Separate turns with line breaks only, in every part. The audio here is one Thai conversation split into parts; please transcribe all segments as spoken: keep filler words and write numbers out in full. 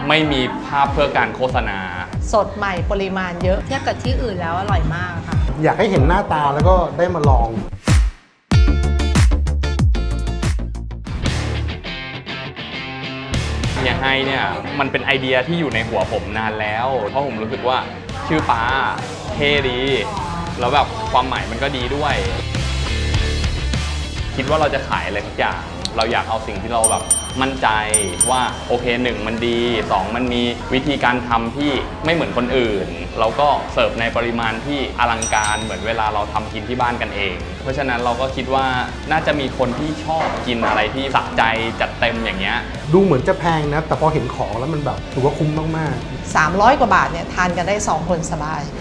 ไม่มีภาพเพื่อการโฆษณา
สดใหม่ปริมาณเยอะ
เทียบกับที่อื่นแล้วอร่อยมากค่ะ
อยากให้เห็นหน้าตาแล้วก็ได้มาลอง
เฮียให้เนี่ยมันเป็นไอเดียที่อยู่ในหัวผมนานแล้วเพราะผมรู้สึกว่าชื่อป้าเท่ดีแล้วแบบความหมายมันก็ดีด้วยคิดว่าเราจะขายอะไรทุกอย่างเราอยากเอาสิ่งที่เราแบบมั่นใจว่าโอเคหนึ่งมันดีสองมันมีวิธีการทำที่ไม่เหมือนคนอื่นเราก็เสิร์ฟในปริมาณที่อลังการเหมือนเวลาเราทำกินที่บ้านกันเองเพราะฉะนั้นเราก็คิดว่าน่าจะมีคนที่ชอบกินอะไรที่สะใจจัดเต็มอย่างเงี้ย
ดูเหมือนจะแพงนะแต่พอเห็นของแล้วมันแบบถือว่าคุ้มมาก
ๆสามร้อยกว่าบาทเนี่ยทานกันได้สองคนสบาย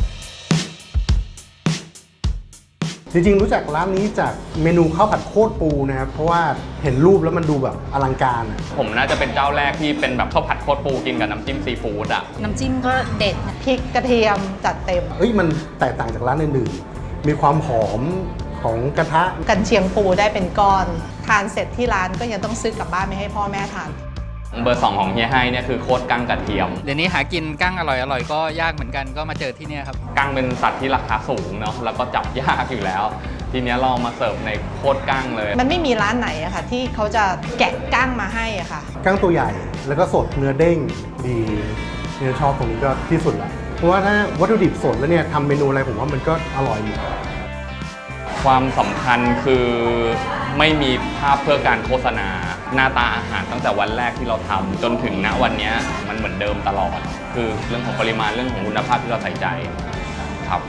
จริงๆรู้จักร้านนี้จากเมนูข้าวผัดโคตรปูนะครับเพราะว่าเห็นรูปแล้วมันดูแบบอลังการอ่ะ
ผมน่าจะเป็นเจ้าแรกที่เป็นแบบข้าวผัดโคตรปูกินกับน้ำจิ้มซีฟู้ดอ่ะ
น้ำจิ้มก็เด็ด
พริกกระเทียมจัดเต็ม
เอ้ยมันแตกต่างจากร้านอื่นๆมีความหอมของกระทะ
กันเชียงปูได้เป็นก้อนทานเสร็จที่ร้านก็ยังต้องซื้อกลับบ้านไม่ให้พ่อแม่ทาน
เบอร์สองของเฮียให้เนี่ยคือโคตรกั้งกระเทียม
เดี๋ยวนี้หากินกั้งอร่อยอร่อยก็ยากเหมือนกันก็มาเจอที่นี่ครับ
กั้งเป็นสัตว์ที่ราคาสูงเนาะแล้วก็จับยากอยู่แล้วทีนี้เรามาเสิร์ฟในโคตรกั้งเลย
มันไม่มีร้านไหนอะค่ะที่เขาจะแกะกั้งมาให้อะค่ะ
กั้งตัวใหญ่แล้วก็สดเนื้อเด้งดีเนื้อชอบตรงนี้ก็ที่สุดละเพราะว่าถ้าวัตถุดิบสดแล้วเนี่ยทำเมนูอะไรผมว่ามันก็อร่อยอยู่
ความสำคัญคือไม่มีภาพเพื่อการโฆษณาหน้าตาอาหารตั้งแต่วันแรกที่เราทำจนถึงณวันนี้มันเหมือนเดิมตลอดคือเรื่องของปริมาณเรื่องของคุณภาพที่เราใส่ใจครับ